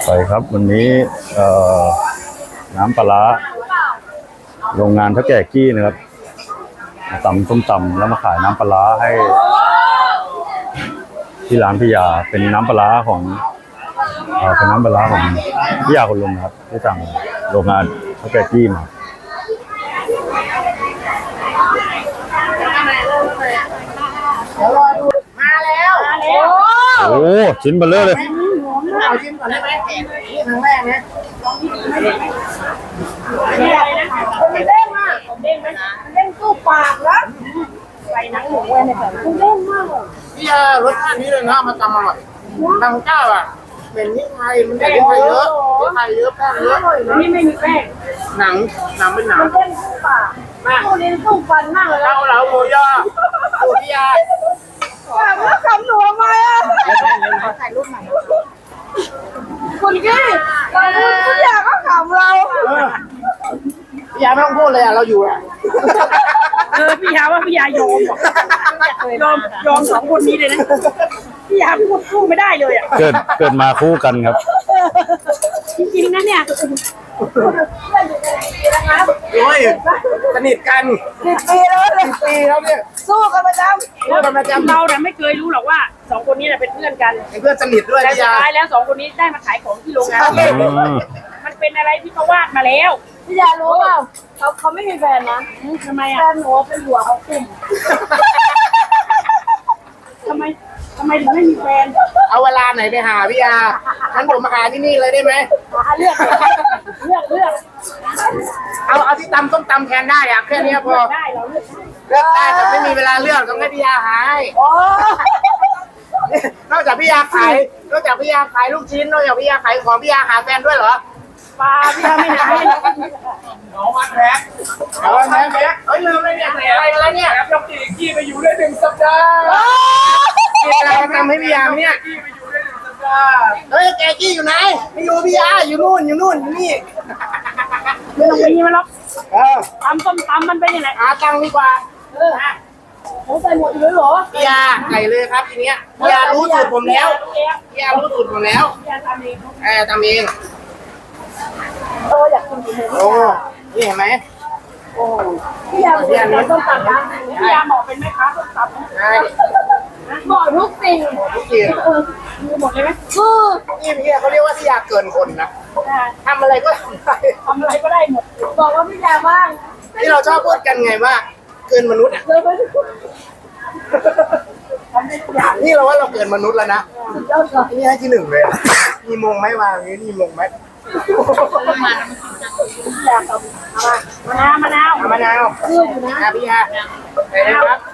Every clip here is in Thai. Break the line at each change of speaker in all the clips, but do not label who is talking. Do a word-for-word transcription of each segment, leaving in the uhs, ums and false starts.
ไปครับวันนี้เอ่อน้ำปลาร้าโรงงานเท่าแก่กี้นะครับตำส้มตำแล้วมาขายน้ำปลาร้าให้ที่ร้านพิยาเป็นน้ำปลาร้าของเอ่อเป็นน้ำปลาร้าของพิยาคนลุงครับที่สั่งโรงงานเท่าแก่กี้มา
มาแล้วมาแล้ว
โอ้ชิ้นเบลเลอร์เลย
เอาชิมก่อนได้ไหมนี่ครั้งแรกนะมันเด้งมากมันเด้งไหมมันเด้งตู้ปากแล้วใส่หนังหมูไว้ในแบบมันเด้งมากเลยพี่รสชาตินี้เลยนะมาตำอร่อยทางเจ้าอ่ะเป็นนี่ไทยมันแต่นี่ไทยเยอะนี่ไทยเยอะแป้งเยอะนี่ไม่มีแป้งหนังหนังเป็นหนังมันเด้งตู้ปากตู้ลิ้นตู้ฟันมากเลยเราเราโมย่าตู้พี่ยาแล้วคำหนูทำไมอ่ะถ่ายรูปใหม่คุณกี้เราพูดพี่ยาก็ขำเราพี่ยาไม่ต้องพูดเลยอ่ะเราอยู่อ่ะ
เออพี่ยาว่าพี่ยายอมยอมยอมสองคนนี้เลยนะพี่ยาพูดคู่ไม่ได้เลยอ่ะ
เกิดเกิดมาคู่กันครับ
จริงๆนะเนี่ย
โอ้ยสนิทกันสิบปีแล้วสิบปีแล้วเนี่ยสู้กันประจำสู้กันประจำ
เราเนี่ยไม่เคยรู้หรอกว่าสองคนนี้เป็นเพื่อนกัน
เป็นเพื่อนสนิทด้วย
แต่สุ
พี่ยา
ดท้ายแล้วสองคนนี้ได้มาขายของที่โรงงานมันเป็นอะไรที่เขาวาดมาแล้ว
พี่ยารู้เปล่าเขาเขาไม่มีแฟนนะ
ทำไมอ่ะ
แฟนหนูเป็นหัวเขาคุ่ม
ทำไมทำไมถึงไม่มีแฟน
เอาเวลาไหนไปหาพี่ยางั้นผมมาหาที่นี่เลยได้ไหม
หาเลือกเลือกเลือก
เอาเอาที่ตำส้มตำแทนได้อะแค่นี้พอ
ได้เราเลือก
เลือกได้แต่ไม่มีเวลาเลือกต้องให้พี่ยาหายนอกจากพี่ยาขายนอกจากพี่ยาขายลูกชิ้นนอกจากพี่ยาขายของพี่ยาหาแฟนด้วยเหรอ
ปลาพี่ยาไม่หาย
น้องวันแพ็คน้องวันแพ็คเฮ้ยลืมเลยเนี่ยอะไรกันแล้วเนี่ยยกตีกี้ไปอยู่ได้หนึ่งสัปดาห์กี้อะไรทำให้พี่ยาเนี่ยกี้ไปอยู่ได้หนึ่งสัปดาห์เฮ้ยแกกี้อยู่ไหนไม่อยู่พี่ยาอยู่นู่นอยู่นู่นอยู่นี่
ไม่ต้องมีมันหรอก
เออ
ตำส้มตำมันเป็นยังไง
หาตังค์ดีกว่าเออ
เขาใส่หมดเลยเหรอ
พี่ยาไก่เลยครับทีเนี้ยพี่ยารู้สูตรผมแล้วพี่ยารู้สูตรผมแล้ว
พี่ยาทำเอง
เออทำเอง
เอออยากกินจริงๆ
โอ้นี่เห็นไหม
โอ้พี่ยาพี่ยาต้มตำนะ
พี่ยาบอกเป็นไหมคะส้มตำ
ใช่
บอกทุกสิ่ง
ทุกสิ่ง
มีหมดเลยไหม
คือ
นี่พี่ยาเขาเรียกว่าพี่ยาเกินคนนะทำอะไรก็ทำได้
ทำอะไรก็ได้หมด
บอกว่าพี่ยาบ้าง
ที่เราชอบพูดกันไงว่าเกินมนุษย์อ่ะนี่เราว่าเราเกินมนุษย์แล้วนะนี่ให้ที่หนึ่งเลยมีมงไหมวางนี้มีมงไหม
มะนาวมะนาว
มะนาวพี่ยาใส่เลยครับ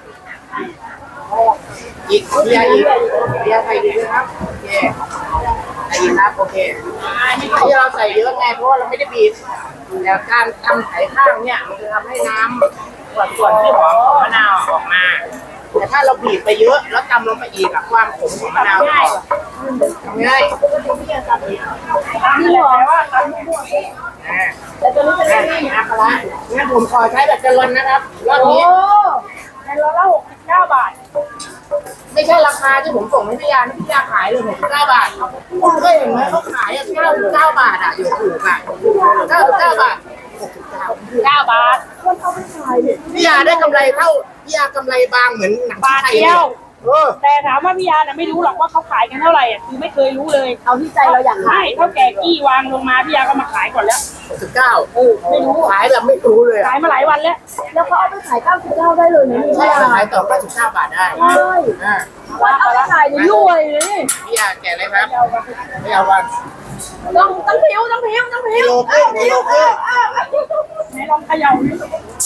อีกพี่ยาอีกพี่ยาใส่ดีด้วยครับโอเคใส่อีกครับโอเคที่เราใส่เยอะไงเพราะว่าเราไม่ได้บีบแต่การทำไข่ข้างเนี่ยมันจะทำให้น้ำส่วนส่วนที่หอมของมะนาวออกมาแต่ถ้าเราบีบไปเยอะแล้วตำลงไปอีกอะความขมของมะนาวจะออกทำง่าย
นี่หรอว่าทำ
แต่ตัวนี้เป็น
นี่นะครังั้นผมขอใช้แบบแกลลอนนะครับรอบนี้
ในร้อยละหกสิบเก้าบาท
ไม่ใช่ราคาที่ผมส่งให้พี่ยาพี่ยาขายเลยหกสิบเก้าบาทคุณเคยเห็นไหมเขาขายอะเก้าสิบเก้าบาทอะอยู่ถูกอะเก้าสิบเก้าบาท
เก้าบาท
พี่ยาได้กำไรเท่าพี่ยากำไรบางเหมือนหนัง
บาทเดียว
แต่
ถามว่าพี่ยาเนี่ยไม่รู้หรอกว่าเขาขายกันเท่าไหร่อ่ะคือไม่เคยรู้เลย
เอาที่ใจเราอยาก
ขายเท่าแก่กี้วางลงมาพี่ยาก็มาขายก่อนแล้ว
หกสิบเก้าเออไม่รู้ขายแบบไม่รู้เลย
ขายมาหลายวันแล้ว
แล้วเขาเอาไปขายเก้าสิบเก้าได้เลยนะ
ใช่ขายต่อเก้าสิบเก้าบาทได้
ใช่วันเอาไปขายนี่รวยเลย
พี่ยาแก่เลยครับไม่เอาวัน
ต้องต้องผิวต้องผิวต้องผิว
กิโลครึ่งกิโลครึ่ง
ไหนลองเขย่าดิ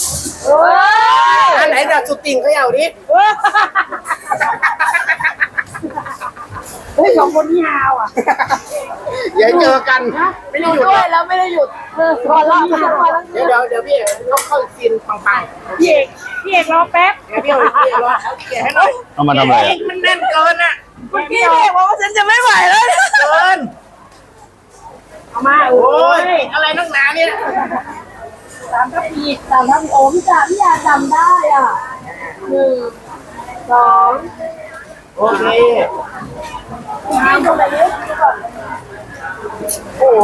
อันไหนแบบสุดติ่งเขย่าดิ
เฮ้ยสองคนนี้ฮาวอ่ะ
อย่าเจอกันไม่ได้หยุด
ด้วยแล้วไม่ได้หยุดพอละ
เดี๋ยวเดี๋ยวเดี๋ยวพี่ต้องเข้าซีนปัง
ๆพี่เอกพี่เอกรอแป๊บ
เดี๋ยวพี่เอกรอเดี๋ยวให้หน่อย
เอามาทำอะไร
มันแน่นเกินอ่ะ
เมื่อกี้พี่เอกบอกว่าฉันจะไม่ไหวแล้ว
เกิน
เอามา
โอ้ยอะไรนักหนาเนี่ย
สามทัพพี
สามทัพพีโอ้พี่จ๋าพี่ยาจำได้อ่ะหนึ่งสอง
โอเค
ทำอะไรเยอะก่อน
โอ้โห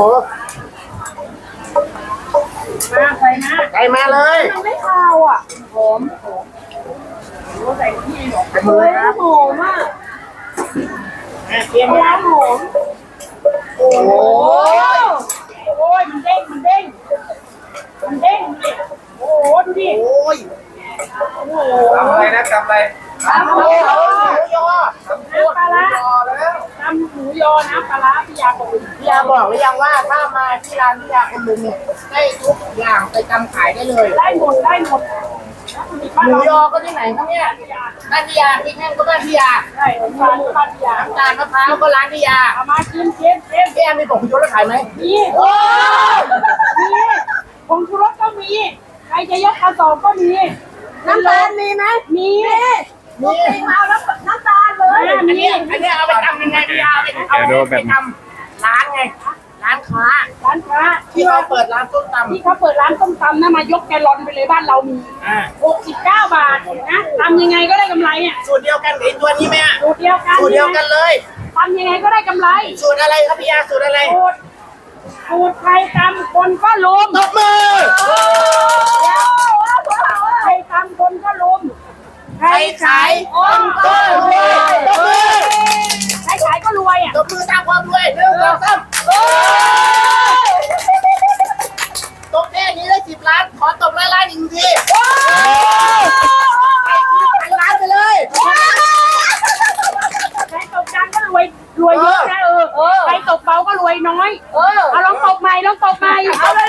มาใส่มา
ใส่มาเลย
มันไม่คาวอ่ะ
หอมหอมโอ้ใส่ที่หรอก
เฮ้ยหอมอ่ะ
เตรียม
ปลา
มา
หอม
โอ้โหโอ้ยมันเด้งมันเด้งมันเด้งดิโอ้โหดูดิ
โอ้ย
โอ้โห
ทำอะไรนะทำอะไร
ปลาหอ
โอ้
ม
โหยอ
น้ำปลาร้าทำหมูยอน้ำปลาร้าพี่ยาบอก
พี่ยาบอกหรือยังว่าถ้ามาที่ร้านพี่ยาคนลุงเนี่ยได้ทุกอย่างไปทำขายได้เลย
ได้หมดได้หมด
หมูยอก็ที่ไหนครับเนี่ยบ้านพี่ยาพริกแห้งก็บ้านพี่ยา
ได้น้ำตาลบ้านพี่ยา
น้ำตาลมะพร้าวก็ร้านพี่ยา
เอามาชิมชิมชิม
พี่ยามีผงชูรสขายไหม
มีโอ้มีผงชูรสก็มีใครจะยกกระสอบก็มี
น้ำตาลมีไหม
มี
มีมีมาแล้วน้ำตาลเลย
อันนี้อันนี้เอาไปทำยังไงพี่ยาไปเอาไปทำร้านไงร้านค้า
ร้านค้า
ที่เขาเปิดร้านส้มตำ
ที่เขาเปิดร้านส้มตำนะมายกแกลลอนไปเลยบ้านเรามี
อ่า
หกสิบเก้าบาทนะทำยังไงก็ได้กำไรอ่ะ
สูตรเดียวกันกับไอ้ตัวนี้ไหมอ่ะ
สูตรเดียวกัน
สูตรเดียวกันเลย
ทำยังไงก็ได้กำไร
สูตรอะไรครับพี่ยาสูตรอะไร
สูตรสูตรใครทำคนก็ลุม
ตบมือ
ใครทำคนก็ลุม
ใครขายคนก็รวยตบมือ
ใครขายก็รวยอ่ะ
ตบมือสร้างความรวยหนึ่งสองสามตบแค่นี้ได้สิบล้าน ขอตบล้านล้านอีกทีใครคิดพันล้านไปเลย
ใครตกดังก็รวยรวยเยอะนะเออใครตกเบาก็รวยน้อย
เออ
เอาลองตกใหม่ลองตกใหม่เอาเลย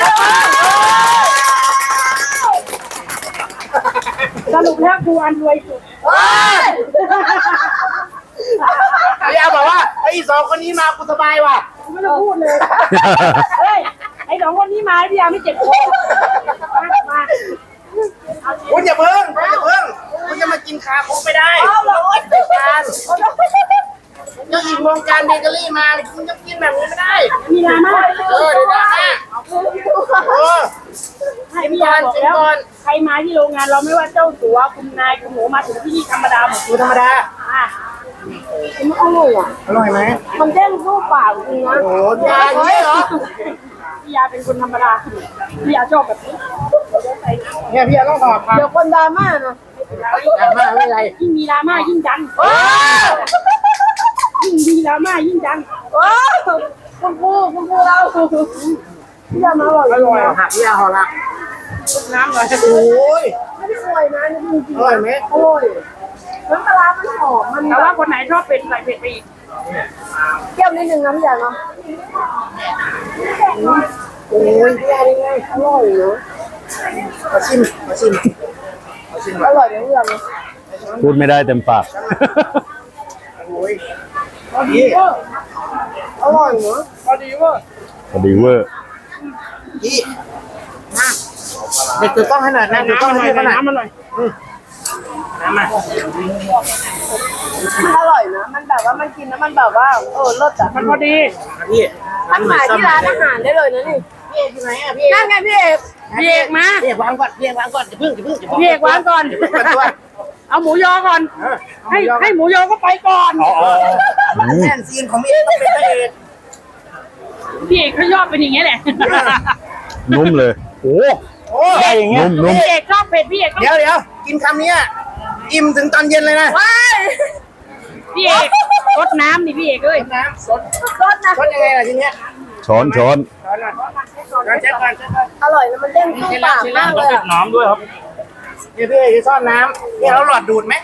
สรุปแล้วกูอันรวยสุด
พี่ยาบอกว่าไอ้สองคนนี้มากูสบายว่ะ
กูไม่ต้องพูดเลยเฮ้ยไอ้สองคนนี้มาพี่ยาไม่เจ็บคอมา
คุณอย่าเพิ่งคุณอย่าเพิ่งคุณจะมากินคาโคกไม่ได้รายการเจ้าหญิงวงการเบเกอรี่มาคุณจะกินแบบนี้ไม่ได้
มีนามา
เออเดี๋ยวนะเออ
ให้พี่ยาบอกแล้วใครมาที่โรงงานเราไม่ว่าเจ้าสัวคุณนายคุณหนูมาถึงที่นี่ธรรมดาหมด
ดูธรรมดา
อ่ะ
มันอร่อยอ่ะ
อร่อยไหม
มันเด้งสู้ปากจริงนะ
โอ้โหยาอย่างนี้เหรอ
พี่ยาเป็นคนธรรมดาพี่ยาชอบแบบนี้
เนี่ยพี่ยาต้องหอบครับ
เดี๋ยวคนดราม่านะ
ดราม่าไม่เป็นไร
ยิ่งมีดราม่ายิ่งดัง
โอ้
ยิ่งมีดราม่ายิ่งดัง
โอ้คุณครูคุณครูเราพี่ยามาอร่อย
อร่อยหักพี่ยาหอละ
น้ำเลย
โอ้ย
ไม่ได้อวยนะนี่จริง
อร่อยไหม
ๆอร่อยน้ำปลาร้ามันหอมมัน
แต่ว่าคนไหนชอบเผ็ดใส่เผ็ดไปอีก
เปรี้ยวนิดนึงนะพี่ยาเนาะโอ้ยพี่ยาได้ไงอร่อยเนาะ
มาชิมมาชิมมาชิม
อร่อยนะพี่ยาเนาะ
พูดไม่ได้เต็มปาก
โอ้ยนี่
อร่อยเนาะ
พอดีว่า
พอดีเวอร์
พี่มาเด็กถือกล้องให้หน่อยนะถือกล้อง
น้ำ
ให้
มัน
พี่
หน่อย
เขาหน่อย
น้ำมันหน่อย
น้ำมา
มันอร่อยนะมันแบบว่ามันกินแล้วมันแบบว่าเออรสอ่ะ
มันพอดี
พี่ร้านใหม่
ขาย
ซ่อม
ที่ร้านอาหารได้เลยนะนี่
พี่เอกอยู่ไหนอ่ะพี่
นั่นไงพี่เอก
พี่เอกมา
พี่เอกวางก่อนพี่เอกวางก่อนอย่าเพิ่งอย่าเพิ่งอย่าเพิ่ง
พี่เอกวางก่อน
อย่าเพิ่งเปิดตัว
เอาหมูยอก่อน
เออ
ให้ให้หมูยอก็ไปก่อน
อืม
แน่นซีนของพี่เอกต้องเป็นพระเอก
พี่เอกเขาชอบเป็นอย่างเงี้ยแหละ
นุ่มเลย โอ้
โอ้ยอย่างเงี้ย
นุ่มนุ่ม
พี่เอกชอบเผ็ดพี่เอก
เดี๋ยวเดี๋ยวกินคำนี้อ่ะอิ่มถึงตอนเย็นเลยนะ
ว้าย
พี่เอกรดน้ำนี่พี่เอกเอ้ย
น้ำสด
รสนะ
สดยังไงล่ะทีเนี้ย
ช้อนช้อน
ช้อนหน่อยช้อนเช็ดก่อนเช็ดก่อน
อร่อยนะมันเด้งสู้ปากมากเลยอะ
น้ำด้วยครับ
นี่พี่เอกจะซ่อนน้ำนี่เราหลอดดูดไหม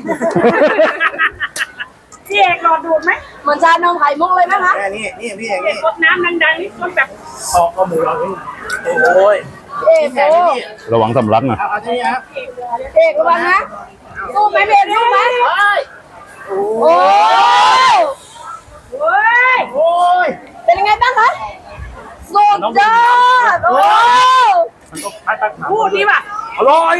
พี่เอกหลอดดูดไหม
เหมือนชานมไข่มุกเลยไหมคะ
แค่นี้นี่พี่เอก
พี่เอ
นี่
กรดน้ำดังๆนี่รดแบบ
เอาเอาหมูเราขึ้น
โอ้ย
เอก
กินแผ
โอ้
นนี่
ระวังสำลักนะ
เอาเอาที่นี่ครับ
เอกระวังนะสู้ไหมพี่เอกสู้ไหม
โอ้ย
โอ้
เฮ้ย
โอ้ย
เป็นยังไงบ้างคะสุดยอดโอ้
มันต้องพัดตักน้ำ
พูดดีป่ะ
อร่อย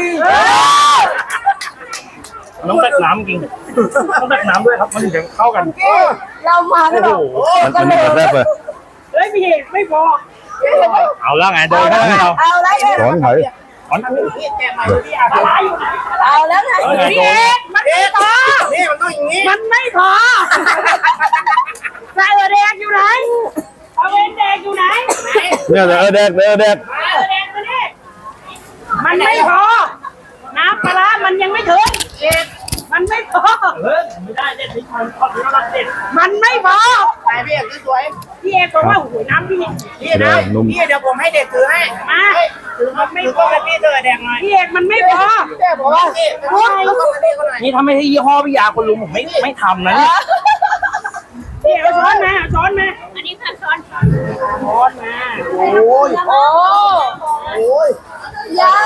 มันต้องตักน้ำจริงต้องตักน้ำด้วยครับมันถึงจะเข้ากัน
เรามากันแบบ
โอ้ย
มันมันกระแทบเลย
เฮ้ยพี่เอกไม่พอ
เอาแล้วไงเดินให้เรา
เอาแล้วไง
ช้อนไถ
อ๋อน
พี่แกะมาดูพี่อา
ปลาร้าอยู่ไหน
เอาแล้วไง
พี่เอกมัน
เอ๊
ไม่พอะ
นี่มันต้องอย่างนี้
มันไม่พอใส่แดงอยู่ไหนเอาเวนแดง
เนี่ยเออแดกเออแดก
มันไม่พอ น้ำปลาร้ามันยังไม่ถึงเด็ดมันไม่พอ
เฮ้ยไม่ได้เด็ดที่คนชอบที่เรารักเด็ด
มันไม่พอ
ไปพี่เอกสวย
พี่เอกบอกว่าโอ้โหน้ำพี่
พี่นะพี่เดี๋ยวผมให้เด็กถือให้
มาถือมันไม่พอ
พี่เธอแดงหน่อย
พี่เอกมันไม่พอ
เดี๋ยวผมว่าพี่พูดแล้วก็มาเรียกหน่อย
นี่ถ้าไม่ใช่ยี่ห้อพี่ยาคนลุงผมไม่ไม่ทำนะเนี่ย
พี่เอกเอาช้อนมาเอาช้อนมา
อันนี้ค่ะช้อน
ช้อนมา
โอ้ย
โอ้
โอ้ย
ยา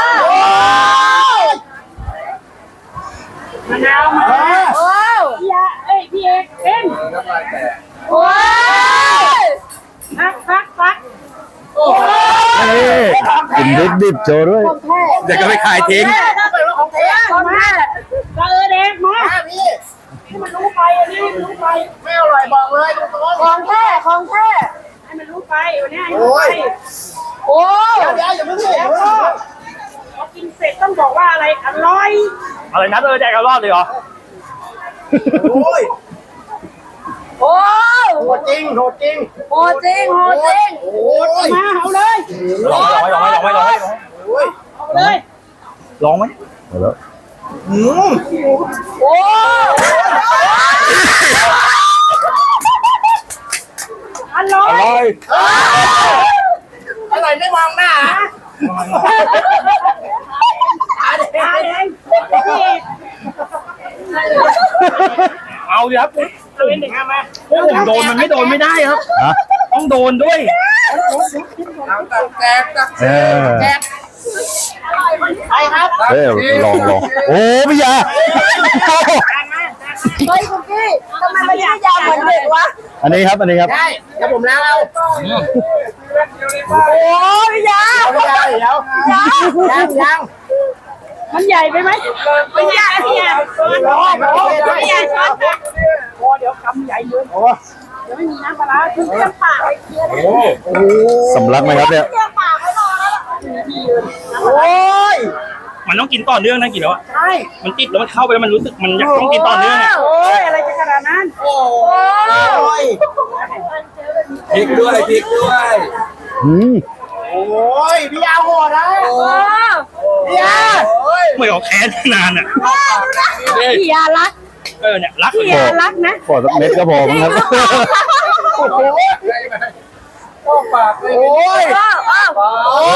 มะนาวมา
โอ้
พี่ยาเอ้ยพี่เอกเป็น
โอ้ย
พักพักพัก
นี่กินดิบดิบโชว์ด้วย
เดี๋ยวก็ไปขายทิ้ง
ถ้าเป็นว่าของแท้
มาก็เออเด็กมา
พี่
ให้มันรู้ไปอันนี้ให้มันรู้ไป
ไม่อร่อยบอกเลยตรง
ของแท้ของแท้
ให้มันรู้ไปวันนี้ให้มันรู้ไป
โอ้
ๆเดี๋ยวเดี๋ยวอย่าเพิ่งเสีย
พอกินเสร็จต้องบอกว่าอะไรอร่อย
อะไรนะเออแดกกันรอดเลยเหรอ
โอ้ย
โอ้
โหดจริงโหดจริง
โหจริงโหจริง
โอ้ย
มาเอาเลย
ลองไหมลองไหมลองไหมลองไหม
โอ้ย
เอาเลย
ลองไหม
เอาแล้ว
อืม
โอ้
อร่อ
อย ร่อย
อร่อยไม่มองหน้า
อาแดงพี่เอก
เอาดิครับ
เอาเด็กมา
ผมโดนมันไม่โดนไม่ได้ครับ
ฮะ
ต้องโดนด้วย
แจกตัก
เออ
แจกใครครับ
เอ้ยลองลองโอ้พี่ยา
เฮ้ยคุณพี่ทำไมมันไม่ยาวเหมือนเด็กวะ
อันนี้ครับอันนี้ครับ
ได้เดี๋ยวผมล้างเอา
โอ้ยยา
เอาไม่ได้เดี๋ยวยังยัง
มันใหญ่ไปไหมไม่ใหญ่พี่เอกช้อน
รอรอ
พี่เอกช้อนตักโอ้เดี๋ยวคำใหญ่เลย
โอ้
เดี๋ยวไม่มีน้ำปลาร้าคือเครื่องปาก
โห
สำลักไหมครับเนี่ย
เรียกปากไว้รอแล้ว
โอ้ย
มันต้องกินต่อเนื่องนะกี่แล้วอะ
ใช่
มันติดแล้วมันเข้าไปแล้วมันรู้สึกมันอยากต้องกินต่อเนื่องอะ
โอ้ยอะไรจะขนาดนั้น
โอ้ย
พริกด้วยพริกด้วย
อืม
โอ้ยพี่ยาโหดนะ
โอ้
พี่ยาโอ้ย
ไม่ออกแค้นนานอ่ะ
พี่ยารัก
เออเนี่ยรัก
พี่ยารักนะ
ขอสักเม็ดก็พอมั้งครับ
โอ้โหโอ้ปากเลยโอ้ย
โอ้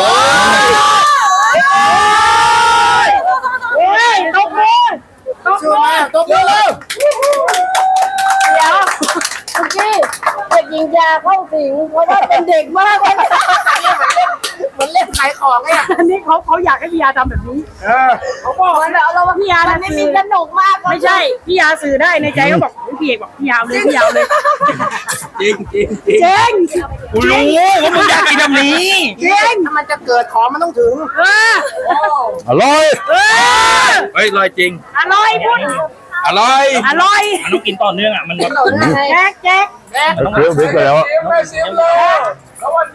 โอ้ยตบมือตบ
ชื่อ
มือ
มาตบมือเลย
เดี๋ยวคุณพี่เด็กหญิงยาเข้าสิงเพราะว่าเป็นเด็กมากเลย
เหมือนเล่นขายของเนี่ย
อันนี้เขาเขาอยากให้พี่ยาทำแบบนี้
เออ
เขาบอก
เหมือนแบบเราว่า
พี่ยา
มั
นะ
นไม่
สื่
มี
อ
สนุกมาก
ไม่ใช่พี่ยาสื่อได้ในใจก็บอกพี่เอกบอกพี่ยาวเลยพี่ยาวเลย
จริงจริงจริง
เจ๊ง
กูรู้ว่ามึงอยากกินแบบนี้
เจ๊ง
ถ้ามันจะเกิดของมันต้องถึง
เออ
อร่อย
เออ
เฮ้ยอร่อยจริง
อร่อยพูด
อร่อย
อร่อย
มันต้องกินต่อเนื่องอ่ะมันแบบ
แจ๊กแจ๊ก
เคี้ยวพริกไปแล้ว
ไม่เสียเลย